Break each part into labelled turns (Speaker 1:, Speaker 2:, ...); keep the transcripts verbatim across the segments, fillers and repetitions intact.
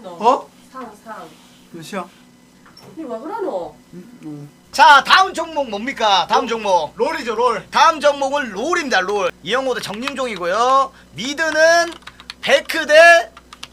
Speaker 1: 너.
Speaker 2: 어?
Speaker 1: 상, 상.
Speaker 2: 몇이야?
Speaker 1: 니 왜 그러노?
Speaker 2: 음, 음.
Speaker 3: 자 다음 종목 뭡니까? 다음 종목
Speaker 4: 롤이죠 롤.
Speaker 3: 다음 종목은 롤입니다. 롤 이영호도 정윤종이고요. 미드는 베크 대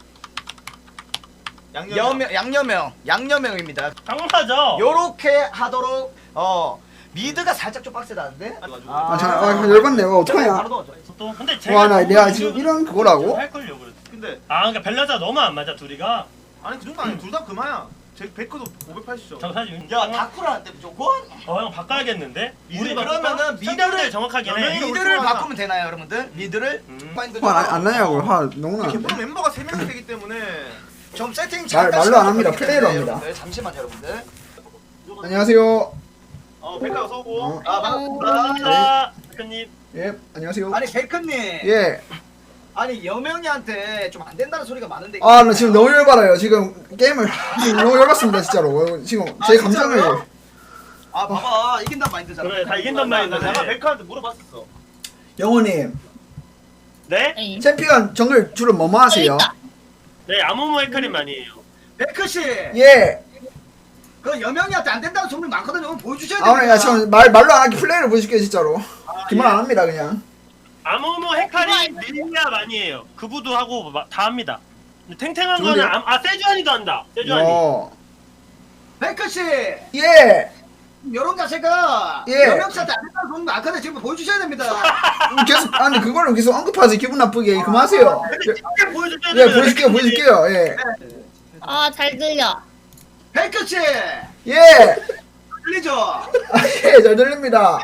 Speaker 4: 양념.
Speaker 3: 여명, 양념형 양념형입니다.
Speaker 5: 당연하죠.
Speaker 3: 요렇게 하도록 어 미드가 살짝 좀 빡세다는데?
Speaker 2: 아, 자, 아, 열받네. 어, 어떡하냐.
Speaker 3: 바로 넣어줘.
Speaker 5: 또 근데 제가
Speaker 2: 와, 나
Speaker 5: 너무
Speaker 2: 내가
Speaker 5: 이거
Speaker 2: 지금 이런 그거라고?
Speaker 5: 할걸요 그랬어.
Speaker 4: 근데
Speaker 5: 아 그러니까 밸런스가 너무 안 맞아 둘이가.
Speaker 4: 아니 그 정도 아니 둘 다 그마야. 제 베크도 오백팔십이죠.
Speaker 5: 저 사실
Speaker 3: 야 다쿠라한테 무조건?
Speaker 5: 어형 바꿔야겠는데.
Speaker 3: 우리
Speaker 5: 바꿀까?
Speaker 3: 그러면은
Speaker 5: 선택을
Speaker 3: 미드를
Speaker 5: 정확하게
Speaker 4: 연예인
Speaker 5: 해.
Speaker 4: 미-
Speaker 3: 미드를
Speaker 4: 하나.
Speaker 3: 바꾸면 되나요 여러분들? 미드를?
Speaker 5: 음.
Speaker 3: 파인드
Speaker 2: 화 안 나냐고. 화 너무
Speaker 4: 이렇게
Speaker 2: 나는데.
Speaker 4: 보면 멤버가 세 명이 되기 때문에
Speaker 3: 좀 세팅
Speaker 2: 말-
Speaker 3: 잠깐
Speaker 2: 말로 안 합니다.
Speaker 3: 시켜드리겠습니다,
Speaker 2: 플레이로 합니다.
Speaker 3: 여러분들. 잠시만요 여러분들.
Speaker 2: 안녕하세요.
Speaker 4: 어 베크가 서고.
Speaker 2: 어.
Speaker 3: 아 반갑습니다.
Speaker 5: 감사합니다. 대표님.
Speaker 2: 예, 안녕하세요.
Speaker 3: 아니 베크님
Speaker 2: 예.
Speaker 3: 아니 여명이한테 좀 안 된다는 소리가 많은데
Speaker 2: 아, 나 지금 너무 열받아요. 지금 게임을 지금 너무 열받습니다, 진짜로. 지금 제
Speaker 3: 아,
Speaker 2: 감정을.
Speaker 3: 진짜로요? 아 봐봐 이긴단 마인드잖아.
Speaker 5: 그래 다 이긴단
Speaker 4: 나
Speaker 5: 말인데.
Speaker 4: 내가 베크한테 물어봤었어.
Speaker 2: 영호님,
Speaker 5: 네?
Speaker 6: 에이.
Speaker 2: 챔피언 정글 주로 뭐뭐 하세요?
Speaker 6: 있다.
Speaker 5: 네 아무모 헤카림 아니에요.
Speaker 3: 베크 씨,
Speaker 2: 예.
Speaker 3: 그 여명이한테 안 된다는 소문 많거든요. 오늘 보여주셔야
Speaker 2: 아,
Speaker 3: 됩니다.
Speaker 2: 오늘 야, 지금 말, 말로 안 하기 플레이를 보여줄게요, 진짜로. 기말 안 합니다, 그냥.
Speaker 5: 아무모 헤카림 릴리아 아니에요. 그부도 하고 마- 다 합니다. 근데 탱탱한
Speaker 2: 좋은데요?
Speaker 5: 거는 아, 아 세주안이도 한다. 세주안이.
Speaker 2: 어.
Speaker 3: 베크 씨,
Speaker 2: 예.
Speaker 3: 이런 자세가
Speaker 2: 예.
Speaker 3: 여명 씨한테 안 된다는 소문 많거든요. 지금 보여주셔야 됩니다.
Speaker 2: 계속, 아니, 그거를 계속 언급하세요. 기분 나쁘게. 그만하세요.
Speaker 5: 이게 보여줄게요.
Speaker 2: 예, 보여줄게요, 보여줄게요. 예.
Speaker 6: 아, 잘 들려.
Speaker 3: 베크 씨,
Speaker 2: 예.
Speaker 3: 들리죠?
Speaker 2: 아, 예, 잘 들립니다.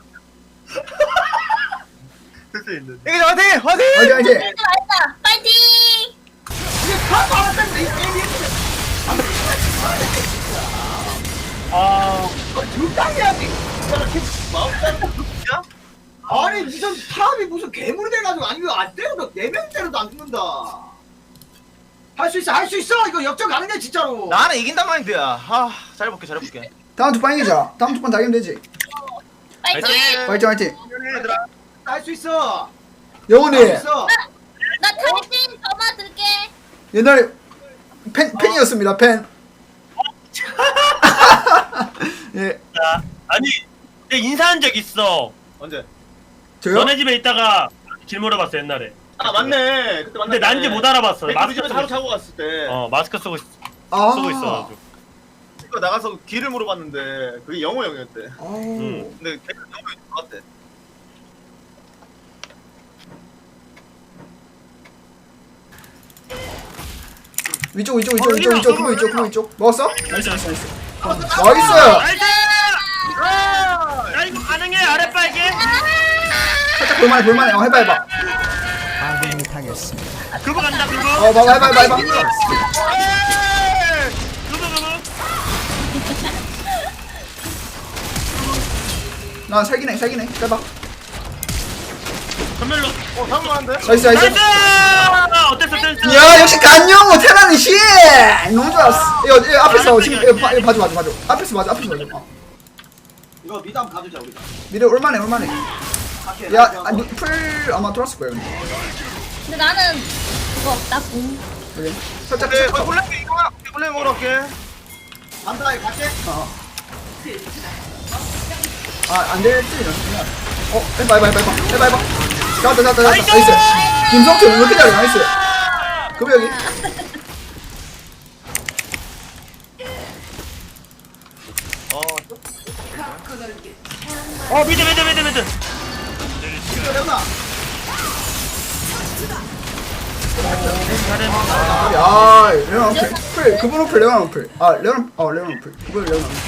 Speaker 4: 이게 화이팅 화이팅.
Speaker 2: 화이팅, 화이팅.
Speaker 6: 들려, 알다. 파이팅!
Speaker 3: 이게 파도 안 왔다니까 이 게임이.
Speaker 5: 아
Speaker 3: 적당해야지. 아니 무슨 사람이 무슨 괴물이 돼가지고 아니 이거 안 때려도 네명 때려도 안 죽는다. 할 수 있어 할 수 있어 이거 역전 가능해 진짜로.
Speaker 4: 나는 이긴단 마인드야. 아 잘해볼게 잘해볼게.
Speaker 2: 다음 두 판 이기자. 다음 두 판 다 이기면 되지.
Speaker 6: 파이팅!
Speaker 2: 화이팅, 화이팅.
Speaker 4: 얘들아.
Speaker 3: 할 수 있어.
Speaker 2: 영훈이,
Speaker 3: 할 수 있어.
Speaker 6: 나 탈진 전화 들게.
Speaker 2: 옛날에 팬, 팬이었습니다, 팬. 예.
Speaker 5: 자, 아니 내가 인사한 적 있어.
Speaker 4: 언제?
Speaker 2: 저요?
Speaker 5: 너네 집에 있다가 길 물어봤어 옛날에.
Speaker 4: 아 맞네. 그때 만났네.
Speaker 5: 근데 난지 못 알아봤어.
Speaker 4: 베크
Speaker 5: 마스크
Speaker 4: 집에서
Speaker 5: 쓰고
Speaker 4: 하루
Speaker 5: 있어.
Speaker 4: 자고 갔을 때.
Speaker 5: 어 마스크 쓰고 있-
Speaker 2: 아.
Speaker 5: 쓰고 있어가지고.
Speaker 4: 이거 나가서 길을 물어봤는데 그게 영호 형이었대.
Speaker 2: 아우.
Speaker 5: 음.
Speaker 4: 근데 베크 영호 형이 좋았대.
Speaker 2: 위쪽, 위쪽, 위쪽, 위쪽, 위쪽, 그거 위쪽, 그거 위쪽. 먹었어? 나이스, 나이스, 나이스. 나이스!
Speaker 5: 나이스! 야 이거 가능해 아랫발게?
Speaker 2: 살짝 볼만해, 볼만해. 어, 해봐, 해봐.
Speaker 5: 그거 간다 그거.
Speaker 2: 어, 봐봐, 해봐, 해봐, 해봐.
Speaker 5: 에이! 그거 그거.
Speaker 2: 나 살기네, 살기네. 해봐.
Speaker 5: 전멸로.
Speaker 4: 어 상관한데?
Speaker 2: 나이스, 나이스.
Speaker 5: 나이스! 어땠어 어땠어?
Speaker 2: 야, 역시 간영호 테라는 씨! 너무 좋았어. 이거, 이거 앞에서 지금 이거, 봐, 이거 봐줘, 봐줘, 봐줘. 앞에서 봐줘, 앞에서 봐줘. 어.
Speaker 3: 이거 미드 한번 가주자 우리.
Speaker 2: 미래 올만해, 올만해.
Speaker 3: 갈게,
Speaker 2: 야,
Speaker 3: 갈게,
Speaker 2: 아니, 풀 아마 돌았을 거예요. 근데.
Speaker 6: 근데 나는 그거 없다. 공.
Speaker 2: 여기. 살짝,
Speaker 4: 그래
Speaker 2: 살짝.
Speaker 4: 홀레 이거 홀레 먹으러 갈게.
Speaker 3: 간다 이거 갈게.
Speaker 2: 어. 아, 안 될지 이런. 어, 해봐, 해봐, 해봐, 해봐, 해봐, 해봐. 잡았다, 잡았다, 잡았다. 나이스. 김성철 왜 이렇게 잘해? 나이스. 그럼 여기.
Speaker 4: 어
Speaker 5: 어 미드 미드 미드 미드.
Speaker 3: 이거 레오나.
Speaker 2: 야, 레on 어플. 풀, 그분 어플, 레on 어플. 아, 레on, 어, 레on 어플. 그분 레on 어플.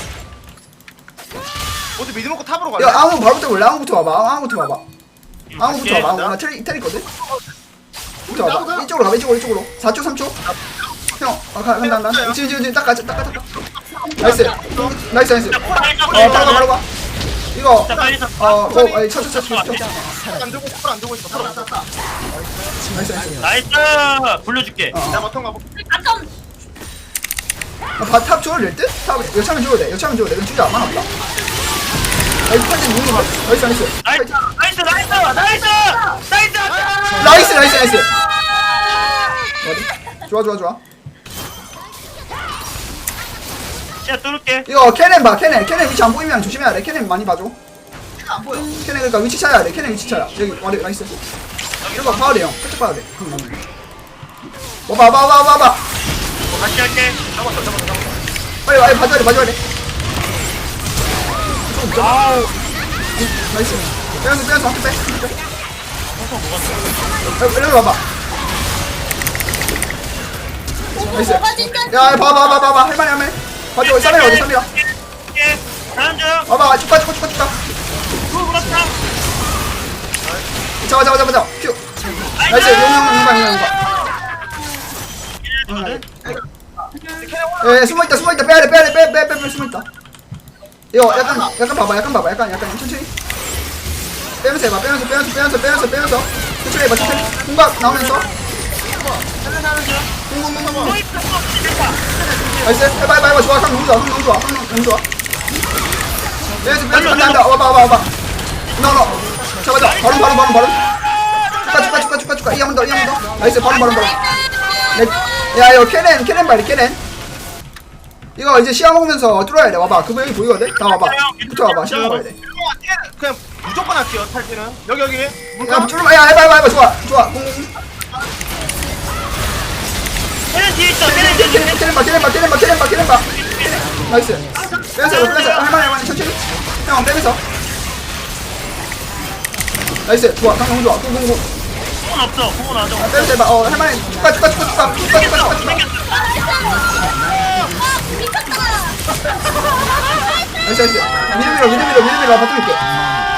Speaker 4: 어디 미드 먹고 탑으로 갈래?
Speaker 2: 야, 아무 바로부터 볼래? 아무부터 와봐. 아무부터 와봐. 아무부터
Speaker 5: 갈게.
Speaker 2: 와봐. 나 테리, 테리 있거든? 부터 와봐. 이쪽으로 가봐, 이쪽으로, 이쪽으로. 사 초, 삼 초. 형, 아, 가, 간다, 간다. 지금, 지금, 지금, 딱 가자, 딱 가자, 딱. 나이스. 나이스, 나이스. 어, 바로 가, 바로 가. 이거,
Speaker 5: 자 빨리 서.
Speaker 2: 어, 어, 아니, 쳐, 쳐, 쳐, 쳐, 쳐.
Speaker 4: 안 들고 있어 안 들고 있어. 탑
Speaker 3: 땄다 땄다.
Speaker 2: 나이스, 나이스.
Speaker 5: 나이스. 불러줄게.
Speaker 2: 어,
Speaker 4: 내가
Speaker 2: 어.
Speaker 4: 바텀 가볼게.
Speaker 6: 아tom.
Speaker 2: 아, 바, 탑 줘도 될 듯? 탑, 여차면 줘도 돼. 여차면 줘도 돼. 이건 주자. 안 많았다. 나이스, 판지 무기 봐. 나이스, 나이스.
Speaker 5: 나이스 나이스 나이스 나이스 나이스.
Speaker 2: 나이스, 나이스, 나이스. 어디? 좋아, 좋아, 좋아.
Speaker 5: 시야 뚫을게.
Speaker 2: 이거 캐넨 봐 캐넨 캐넨 위치 안 보이면 조심해야 돼 캐넨 많이 봐줘
Speaker 3: 안 보여.
Speaker 2: 캐넨 그러니까 위치 찾아야 돼 캐넨 위치 찾아 여기 와리 나이스 이거 봐야 돼형 살짝 봐야 돼 와봐 와봐 와봐 와봐
Speaker 5: 어, 같이 할게.
Speaker 4: 잡았어 잡았어 잡았어.
Speaker 2: 빨리 빨리 봐줘야 돼 봐줘야 돼
Speaker 5: 아우.
Speaker 2: 나이스 빼면서 빼면서 한개 빼
Speaker 5: 펑펑 먹었어.
Speaker 2: 여기 와봐 나이스
Speaker 6: 뭐가 진짜
Speaker 2: 야 봐봐 봐봐 봐봐 할만해 할만해 봐줘 쌈이라 어디 쌈이라
Speaker 5: 예. 다음 중.
Speaker 2: 봐봐 쭉가 쭉가 쭉가 쭉가
Speaker 5: 후 그렇다.
Speaker 2: 잡아 잡아 잡아 잡아 큐 나이스 용용 용방 용방
Speaker 5: 이거든.
Speaker 2: 예 숨어있다 숨어있다 빼야돼 빼야돼 빼빼빼빼 숨어있다 이거 약간 약간 봐봐 약간 봐봐 약간 약간 천천히 빼면서 해봐 빼면서 빼면서 빼면서 빼면서 빼면서 천천히 해봐 천천히 공각 나오면서 쿵쿵쿵쿵 나이스 해봐 해봐 해봐 좋아 강 너무 좋아 강 너무 좋아 강 너무 좋아 빼면서 빼면서 안다 안다 와봐 와봐 와봐 너너 잡아 잡아 바로 바로 바로 바로 축가 축가 축가 축가 축가 이 한 번 더 이 한 번 더 나이스 바로 바로 바로 네. 야 이거 캐넨 캐넨 봐야 돼 캐넨 이거 이제 시야 먹으면서 뚫어야 돼 와봐 그거 여기 보이거든? 다 와봐 붙어 와봐 시야 먹어야 돼
Speaker 4: 그냥 무조건 할게요 탈퇴는. 여기 여기.
Speaker 2: 야
Speaker 4: 물감.
Speaker 2: 뚫어봐 야 해봐 해봐 해봐 좋아 좋아 공
Speaker 5: 캐넨 뒤에 있어. 캐넨 뒤에 있어.
Speaker 2: 캐넨 캐넨 봐 캐넨 봐 캐넨 봐 캐넨 봐 캐넨 봐 나이스 빼면서 이거 빼면서 할만해 할만해 천천히 형 빼면서 나이스 좋아 강 너무 좋아 공공공
Speaker 5: 공은 없어. 공은 안 줘.
Speaker 2: 빼면서 해봐 어 할만해 축가 축가 축가 축가 축가 축가 축가 축가 나이스 나이스 미드 밀어 미드 밀어 미드 밀어 바텀 있게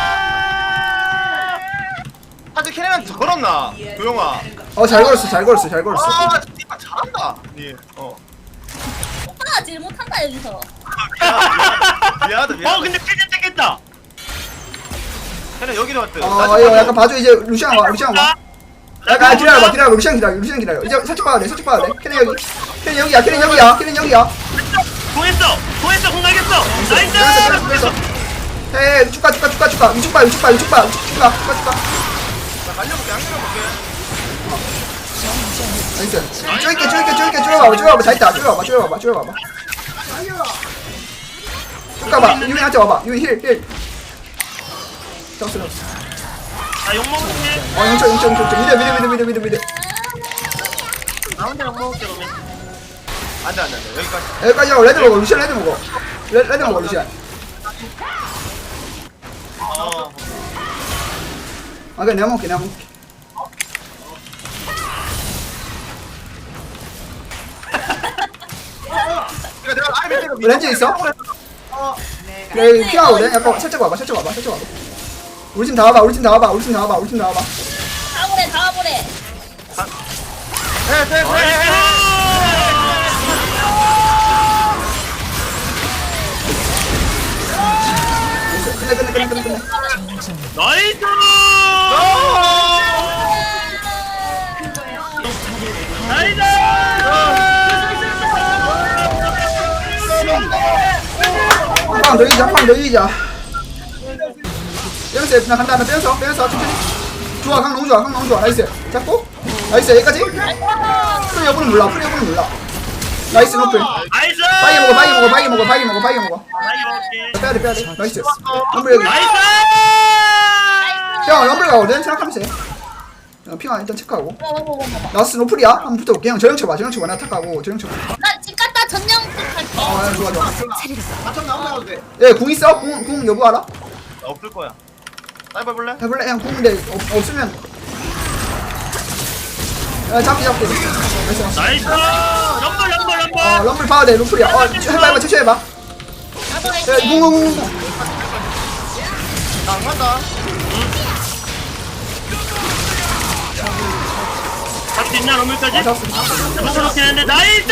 Speaker 4: 사실 캐넨한테 걸었나? 도영아.
Speaker 2: 어잘 걸었어 잘 걸었어 잘 걸었어
Speaker 4: 아 진짜 잘한다. 예. 어.
Speaker 6: 오빠가 제일 못한다 여기서.
Speaker 4: 미안하다
Speaker 5: 어
Speaker 4: 미안하다.
Speaker 5: 근데 캐넨 땡겼다.
Speaker 4: 캐넨 여기로 왔대.
Speaker 2: 어 이거 약간 봐줘 이제 루시안 와 루시안 와 약간 아, 기다려봐 기다려 루시안 기다려 루시안 기다려 이제 살짝 봐야 돼 살짝 봐야 돼 캐넨 여기 캐넨 여기야 캐넨 여기야 캐넨 여기야
Speaker 5: 공했어. 공했어. 공 날겼어.
Speaker 2: 빼면서
Speaker 5: 나이스.
Speaker 2: 빼면서 빼면서 헤이 축가 축가 축가 축가 위축 봐 위축 봐 위축 봐 위축 축가 축가 축가
Speaker 4: 나 날려볼게 안 날려볼게.
Speaker 2: 나이스 쪼이게 쪼이게 쪼이게 쪼여봐봐 쪼여봐봐 다 있다 쪼여봐봐 쪼여봐봐 쪼여봐봐 쭉 가봐 유민한테 와봐 유민 힐힐 잡았어 잡았어
Speaker 5: 나 욕먹을게.
Speaker 2: 어 용쳐 용쳐 용쳐 용쳐 미드 미드 미드 미드 미드 미드
Speaker 5: 나 혼자 욕먹을게 그러면.
Speaker 4: 안돼 안돼 안돼 여기까지.
Speaker 2: 여기까지 하고 레드 먹어 루시안 레드 먹어 레, 레드 먹어 루시안
Speaker 4: 어.
Speaker 2: 아 그래 내가 먹을게 내가 먹을게
Speaker 4: 그러니까 내가 아예 밑에가
Speaker 2: 렌즈 있어? 그래 여기 피하거든 약간 살짝 와봐 살짝 와봐 살짝 와봐 우리 팀 다 와봐 우리 팀 다 와봐 우리 팀 다 와봐 우리 팀 다 와봐
Speaker 6: 다 오래 다 오래.
Speaker 2: 끝내 끝내 끝내 끝내 끝내
Speaker 5: 나이스. 나이스.
Speaker 2: 한방 더 이기자 한방 더 이기자 빼면서 나 간다 나 빼면서 빼면서 천천히 좋아 강 너무 좋아 강 너무 좋아 나이스 잡고 나이스 여기까지 풀 여부는 몰라 풀 여부는 몰라 나이스 노플
Speaker 5: 나이스.
Speaker 2: 바이 먹어 바이 먹어 바이 먹어 바이 먹어 바이 먹어
Speaker 5: 나이 먹을게.
Speaker 2: 빼야돼 빼야돼 나이스 럼블 여기
Speaker 5: 나이스.
Speaker 2: 형 럼블 가거든 생각하면서 해 어, 핑아 일단 체크하고
Speaker 6: 뭐, 뭐, 뭐, 뭐, 뭐.
Speaker 2: 나스 노플이야 한번 붙어볼게 형 저형 쳐봐 저형 쳐봐 나 탁하고 저형 쳐봐
Speaker 6: 나집 갔다 전령 할게.
Speaker 2: 어 야, 좋아 좋아
Speaker 3: 바텀 나오면 돼.
Speaker 2: 얘궁 있어? 궁, 궁 여부 알아?
Speaker 4: 없을 거야. 사이버 볼래?
Speaker 2: 해볼래? 형 궁인데 없, 없으면 야 잡기 잡기 나이스 나이스
Speaker 5: 나이스. 럼블 럼블
Speaker 2: 어
Speaker 5: 럼블.
Speaker 2: 럼블 봐야 돼 루플이야 어 해봐 해봐 천천히 해봐
Speaker 6: 나도
Speaker 2: 야
Speaker 6: 할게.
Speaker 2: 궁궁궁궁
Speaker 4: 나안 간다.
Speaker 5: 잡수 있나 럼블까지?
Speaker 2: 아 잡았어
Speaker 5: 잡아놓긴 했는데 나이스.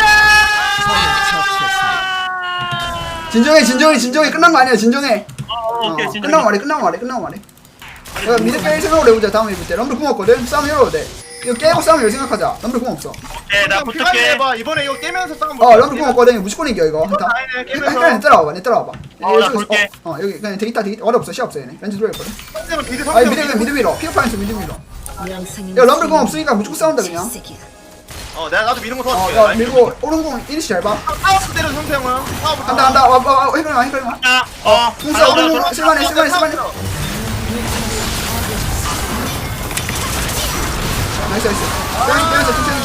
Speaker 2: 진정해 진정해 진정해 끝난 거 아니야 진정해
Speaker 5: 어, 오케이
Speaker 2: 어,
Speaker 5: 진짜.
Speaker 2: 끝나고 말해 끝나고 말해 끝나고 말해 내가 미드 뺄 생각으로 해보자 다음에 해볼 때 럼블 궁 없거든 싸움 열어도 돼 이거 깨고 싸움 열 생각하자 럼블 궁 없어
Speaker 5: 오케이 나
Speaker 4: 피하게
Speaker 5: 붙을게.
Speaker 4: 해봐. 이번에 이거 깨면서 싸움.
Speaker 2: 어 럼블 궁 없거든 이거 무조건 이겨 이거 한타
Speaker 4: 아니네, 깨면서.
Speaker 2: 일단 내 따라와봐 내 따라와봐
Speaker 5: 어, 나
Speaker 2: 여기,
Speaker 5: 볼게.
Speaker 2: 어, 어 여기 그냥 데이터 데이터 어려 없어 시야 없어 얘네 렌즈 들어있거든
Speaker 4: 상대는 비드
Speaker 2: 아니
Speaker 4: 상대는
Speaker 2: 미드
Speaker 4: 비드.
Speaker 2: 미드 밀어 피어파인스 미드 밀어
Speaker 7: 명성이
Speaker 2: 야 럼블 궁 없으니까 무조건 싸운다 그냥
Speaker 4: 어 내가 나도 미는 거
Speaker 2: 어,
Speaker 4: 도와줄게.
Speaker 2: 야
Speaker 4: 라인
Speaker 2: 밀고 오른공 이니시 잘 봐.
Speaker 4: 파워부터 때려 형태 형은. 파워부터.
Speaker 2: 간다 간다. 와, 와, 와, 해그마 해그마.
Speaker 5: 자, 어.
Speaker 2: 궁수 오른공 쓸만해 쓸만해 쓸만해. 나이스 나이스. 빼면서 빼면서 천천히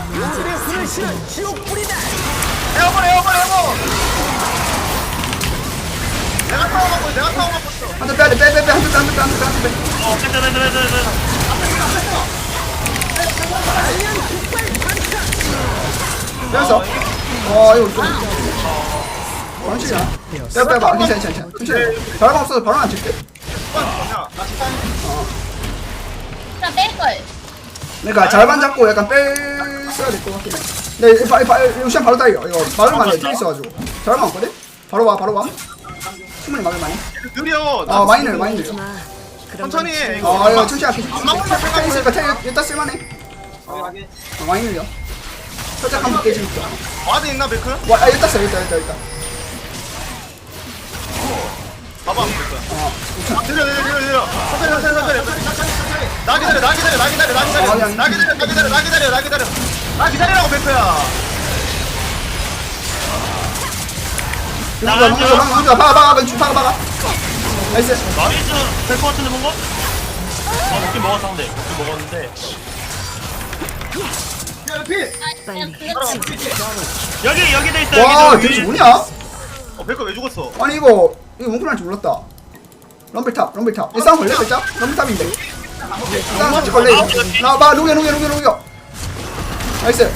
Speaker 2: 천천히.
Speaker 4: 에어볼 에어볼 에어볼. 내가 타워 갖고 있어, 내가 타워 갖고 있어.
Speaker 2: 한대 빼야 돼. 빼 빼 빼. 한대 빼 한대 빼 한대 빼 한대 빼.
Speaker 5: 어, 뺐다, 뺐다, 뺐다, 뺐다.
Speaker 2: 빼면서. 어 이거 좀. 원칙이야. 빼 빼봐. 괜찮아 괜찮아. 천천히. 바람 없어서 바로 안 칠게.
Speaker 4: 뭐냐?
Speaker 6: 나 뺄걸.
Speaker 2: 그러니까 잘만 잡고 약간 뺐어야 될 것 같긴 해. 근데 바, 바, 루시안 바로 따이요. 이거 바로만 해. 텔 있어가지고. 잘만 없거든? 바로 와 바로 와. 충분히 막을 많이.
Speaker 4: 느려.
Speaker 2: 어 많이 늘려 많이 늘려.
Speaker 4: 천천히 해. 이거.
Speaker 2: 어 이거 천천히 할게.
Speaker 4: 안 막는다
Speaker 2: 텔
Speaker 4: 생각해.
Speaker 2: 있으니까 텔 일단 쓸만해. 어 많이 늘려. 살짝 한번 깨지니까.
Speaker 4: 와드 있나 베크?
Speaker 2: 와 아, 일단 써 일단 일단 일단.
Speaker 4: 봐봐. 베크.
Speaker 2: 어.
Speaker 4: 느려 느려 느려 느려. 천천히 천천히 천천히. 나 기다려 나 기다려 나 기다려 나 기다려.
Speaker 2: 어, 아니, 아니.
Speaker 4: 나 기다려 나 기다려 나 기다려 나 기다려. 나 기다리라고 베크야.
Speaker 2: 누가 누가 누가 박아 박아 박아 박아 박아. 나이스.
Speaker 5: 나이스 될것 같은데 뭔가? 아 먹긴 먹었어 상대 먹긴 먹었는데
Speaker 3: 야 피.
Speaker 6: 아, 그냥 그렇지.
Speaker 5: 여기 여기 돼 있어
Speaker 2: 와
Speaker 5: 여기
Speaker 2: 대체
Speaker 5: 위.
Speaker 2: 뭐냐?
Speaker 4: 어 베크 왜 죽었어?
Speaker 2: 아니 이거 이거 몽클 할줄 몰랐다. 럼블탑 럼블탑. 이 싸움 걸려 살짝? 럼블탑인데. 싸움 살짝 걸려 이거. 나봐 녹여 녹여 녹여 녹여. 나이스.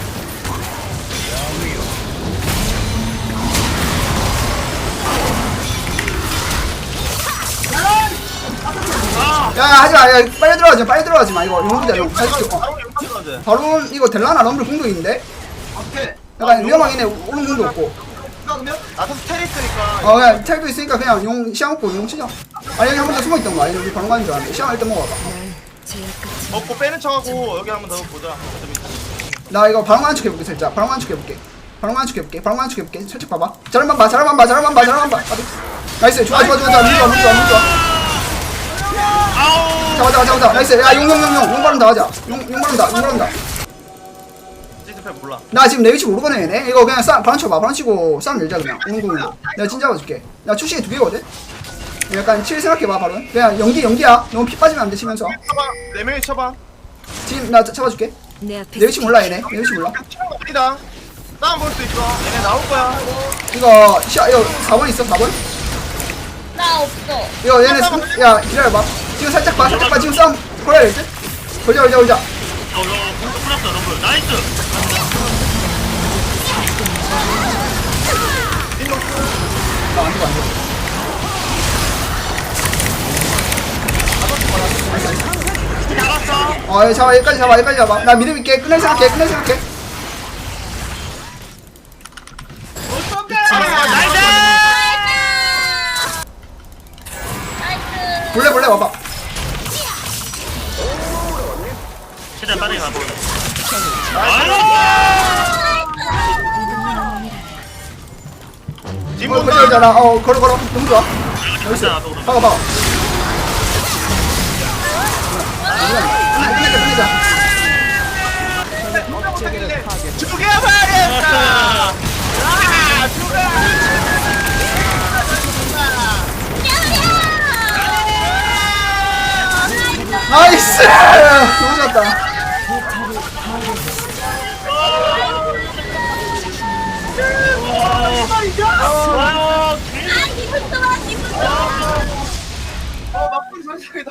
Speaker 2: 야 하지마 야 빨리 들어가지 마 빨리 들어가지 마 이거 용기다 용 살짝 어.
Speaker 4: 바로 용파트 가자.
Speaker 2: 바로 이거 델라나 럼블 공도 있는데
Speaker 3: 오케이.
Speaker 2: 약간 위험하긴 해 오른 공도 없고
Speaker 3: 그러면
Speaker 4: 나도 스텔 있으니까.
Speaker 2: 어 그냥 텔도 있으니까 그냥 용 시야 먹고 용 치자. 아니 여기 한 번 더 숨어있던 거 아니 여기 바로 가는 줄 알았는데 시야 일단 먹어봐.
Speaker 4: 먹고 빼는 척하고 여기 한 번 더 보자. 어차피
Speaker 2: 나 이거 바로 가는 척 해볼게 살짝 바로 가는 척 해볼게 바로 가는 척 해볼게 바로 가는 척 해볼게 살짝 봐봐 잘만 봐 잘만 봐 잘만 봐 잘만 봐 어디? 나이스 좋아 좋아 좋아 좋아 물 좋아 물 좋아 물 좋아
Speaker 5: 아우
Speaker 2: 잡아 잡아 잡아 잡아 나이스 야용 용 용 용 용 바른다 하자 용 용 바른다 용 바른다
Speaker 4: 시스템 몰라.
Speaker 2: 나 지금 내 위치 모르거든 얘네 이거 그냥 싸 바람 쳐봐 바람 치고 싸움 열자 그냥 오는공으로 내가 진 잡아줄게 나 출시에 두 개거든 약간 칠 생각해봐 바로 그냥 연기 연기야 너무 피 빠지면 안 돼 치면서
Speaker 4: 쳐봐. 네 명이 쳐봐.
Speaker 2: 지금 나 차- 잡아줄게
Speaker 7: 내 앞에
Speaker 2: 내 위치 몰라 얘네 내 위치 몰라
Speaker 4: 아니다. 싸움 볼 수 있어. 얘네 나올 거야.
Speaker 2: 이거 시야 이거 사 번 있어 사 번
Speaker 6: 나 없어.
Speaker 2: 이거 얘네 스- 야 기다려봐 지금 살짝 봐 살짝 봐 지금 싸움 걸어야 될지 걸자 걸자 걸자
Speaker 5: 어, 너 공도 풀었어 너무 나이스
Speaker 2: 나안 죽어 안 죽어
Speaker 5: 잡았어
Speaker 2: 어 여기 잡아 여기까지 잡아 여기까지 잡아 나 믿음 있게 끝낼 생각해 끝낼 생각해
Speaker 5: 아, 나이스
Speaker 6: 나이스.
Speaker 2: 볼래 볼래 와봐
Speaker 5: 최대한 빠르게 가보
Speaker 2: 어 걸려 걸잖아 어 걸어 걸어 너무 좋아 나이스
Speaker 5: 나도 그럼.
Speaker 2: 박아 박아 끝내자 끝내자
Speaker 4: 죽여버렸다. 아, 죽어.
Speaker 2: 나이스 너무 좋았다
Speaker 5: 와
Speaker 6: 아, 기분 좋아, 기분 좋아.
Speaker 4: 어, 막걸리 선생이다.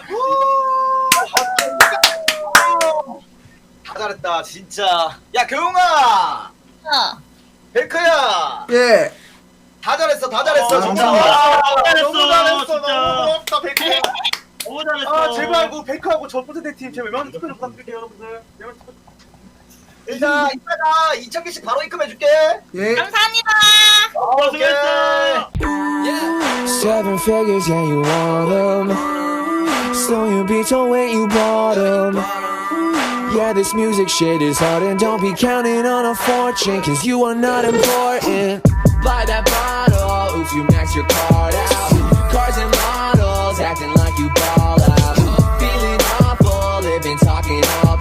Speaker 3: 다 잘했다 진짜. 야 교웅아.
Speaker 6: 어.
Speaker 3: 베크야.
Speaker 2: 예
Speaker 3: 다 잘했어 다 잘했어.
Speaker 4: 아,
Speaker 3: 진짜.
Speaker 2: 감사합니다.
Speaker 4: 너무 잘했어.
Speaker 5: 잘했어,
Speaker 4: 너무
Speaker 5: 진짜.
Speaker 4: 고맙다, 베크.
Speaker 5: 너무 잘했어
Speaker 4: 아, 제발 그 베크하고 저 포테테 팀 제발 명함 투표 좀 부탁드릴게요, 여러분들. 명함 투표.
Speaker 3: 일단 이따가 이천 개씩 바로 입금해줄게.
Speaker 2: 예.
Speaker 6: 감사합니다.
Speaker 5: 고생했어
Speaker 8: Seven figures, yeah, you want them. So you be told when you bought them. Yeah, this music shit is hard, and don't be counting on a fortune, cause you are not important. Buy that bottle, if you max your card out. Cars and models, acting like you ball out. Feeling awful, living talking all